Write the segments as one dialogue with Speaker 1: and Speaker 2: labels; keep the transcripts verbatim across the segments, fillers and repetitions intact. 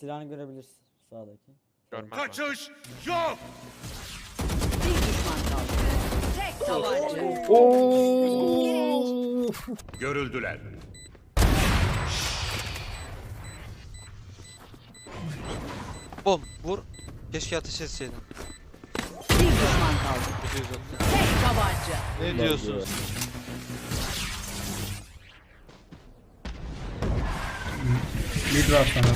Speaker 1: Silahını görebilirsin sağdaki.
Speaker 2: Görmem.
Speaker 3: Kaçış yok.
Speaker 4: Bir düşman kaldı. Tek tabanca.
Speaker 3: Görüldüler.
Speaker 2: Bom vur. Keşke ateş etseydin.
Speaker 4: Bir düşman kaldı.
Speaker 2: Gidiyor zaten.
Speaker 4: Tek tabanca.
Speaker 2: Ne diyorsunuz?
Speaker 5: Mid var sana.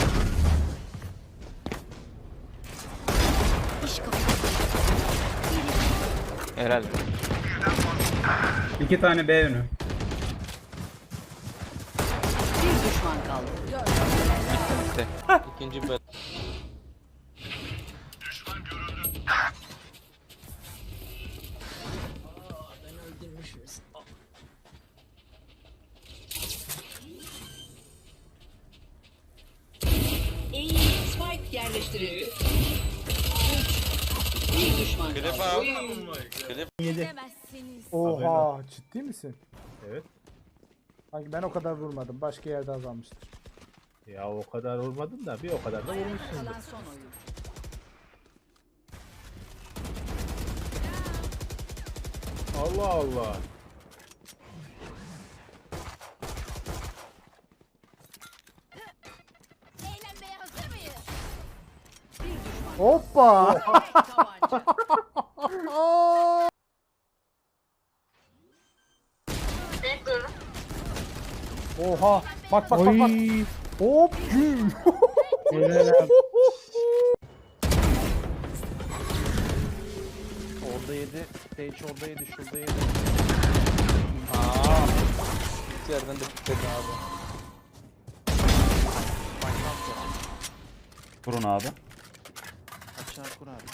Speaker 2: Herhalde.
Speaker 5: İki tane B önü.
Speaker 4: Bir düşman kaldı.
Speaker 2: Bitti. İkinci bet.
Speaker 4: İyi. Spike yerleştirildi. Bir düşman kaldı.
Speaker 6: Oha, ciddi misin? Evet. Sanki ben o kadar vurmadım. Başka yerde azalmıştır.
Speaker 7: Ya o kadar vurmadın da bir o kadar da vurmuşsun.
Speaker 4: Kalan son oyun.
Speaker 7: Allah Allah.
Speaker 8: Eğlenmeye hazır mıyız?
Speaker 6: Hoppa!
Speaker 4: Tek tabanca.
Speaker 6: Oha! Bak bak bak bak. Hop! Güm!
Speaker 1: Orada yedi. Stage orada yedi. Şurada yedi.
Speaker 2: Aaa. Bir yerden de bitledi abi.
Speaker 5: Kurun abi.
Speaker 1: Açığa kur abi.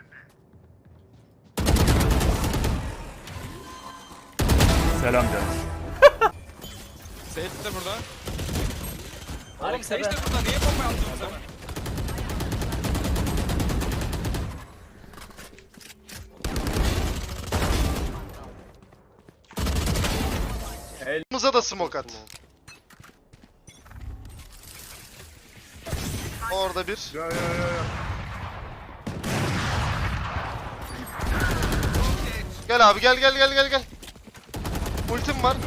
Speaker 5: Selam canım.
Speaker 2: Seyit de burada. Oğlum Seyit de burada. Niye bomba yaptın o zaman?
Speaker 9: Elimize da smoke at. Orada bir.
Speaker 3: Ya ya ya ya.
Speaker 9: Gel abi gel gel gel gel gel. Ultim var.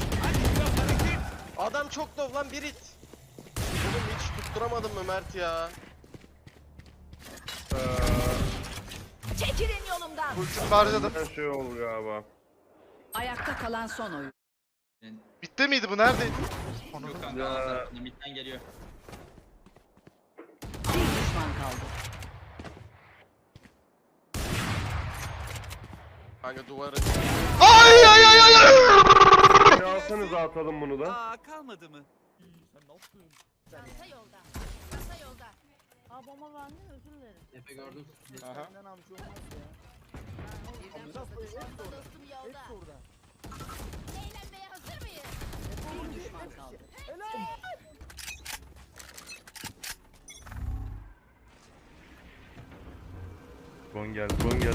Speaker 10: Adam çok dov lan bir it. Oğlum hiç tutturamadın mı Mert ya?
Speaker 8: Çekilin yolumdan.
Speaker 9: Ultimi harcadım.
Speaker 3: Her şey olur galiba.
Speaker 4: Ayakta kalan son oyun.
Speaker 9: Bitti miydi bu? Neredeydi?
Speaker 3: Ya.
Speaker 4: Bir düşman kaldı.
Speaker 10: Kanka duvarı.
Speaker 9: Ay ay ay ay ay.
Speaker 3: Bir alsanıza atalım bunu da.
Speaker 2: Aa kalmadı mı?
Speaker 8: Çanta yolda. Çanta yolda.
Speaker 4: Aa bomba verdin özür dilerim.
Speaker 10: Efe gördüm.
Speaker 6: Senden amca olmaz ya.
Speaker 8: Çanta dostum yolda. Eğlenmeye hazır mıyız?
Speaker 4: Bir düşman kaldı.
Speaker 3: Bon geldi, bon geldi.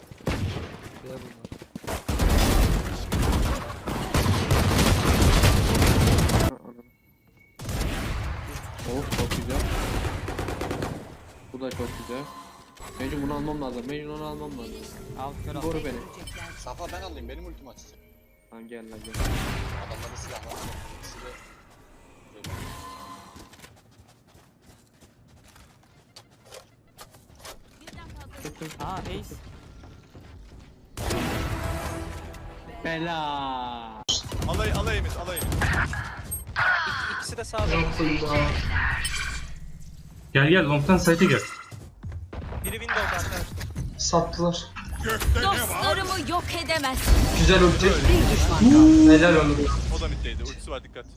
Speaker 10: Oh çok güzel. Bu da çok güzel. Mecnun bunu almam lazım. Mecnun onu almam lazım.
Speaker 2: Al kör al.
Speaker 10: Koru beni.
Speaker 9: Safa ben alayım. Benim ultim açacak.
Speaker 10: Tamam gel lan gel.
Speaker 9: Adamlarda silah var. Silah.
Speaker 8: Birden fazla
Speaker 2: Aa ace.
Speaker 10: Bela.
Speaker 2: Alay alayımız alayımız. İkisi de sağda.
Speaker 5: Gel gel longtan site'e gel.
Speaker 2: Biri Windows arkadaşlar.
Speaker 7: Sattılar.
Speaker 8: dostlarımı yok edemez.
Speaker 7: Güzel ulti.
Speaker 4: Bir düşman kaldı.
Speaker 7: Helal olsun.
Speaker 2: O da middeydi. Ultisi var dikkat.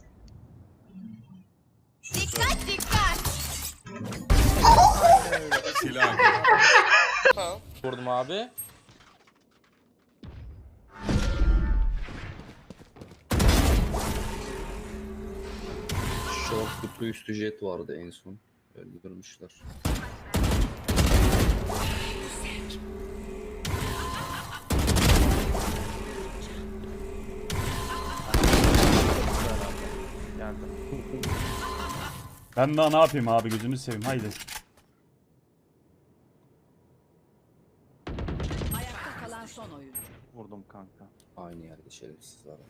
Speaker 8: Dikkat dikkat.
Speaker 3: Silah.
Speaker 2: Vurdum abi.
Speaker 10: Short kutu üstü jet vardı en son. Öldürmüşler.
Speaker 1: Geldim.
Speaker 5: Ben daha ne yapayım abi, gözünü seveyim, haydi.
Speaker 4: Ayakta kalan son oyuncu.
Speaker 1: Vurdum kanka.
Speaker 10: Aynı yerde şerefsiz var.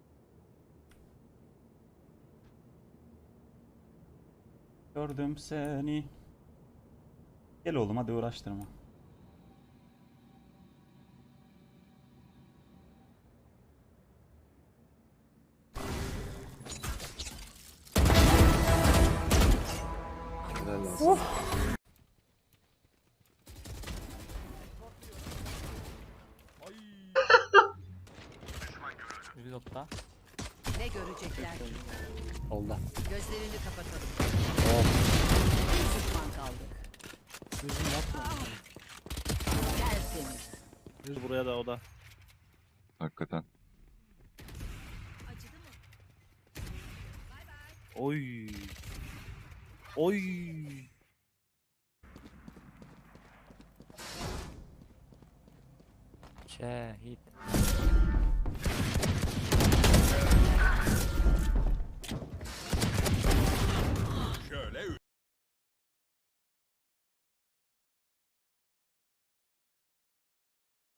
Speaker 5: Gördüm seni. Gel oğlum, hadi uğraştırma.
Speaker 10: Helal olsun.
Speaker 1: Reload'da.
Speaker 4: Ne görecekler ki?
Speaker 1: Oldu.
Speaker 4: Gözlerini kapatalım. Bir düşman kaldı.
Speaker 1: Bizim yapma.
Speaker 4: Tertemiz.
Speaker 2: Buraya da o da.
Speaker 3: Hakikaten.
Speaker 2: Oy. Oy.
Speaker 1: Şehit.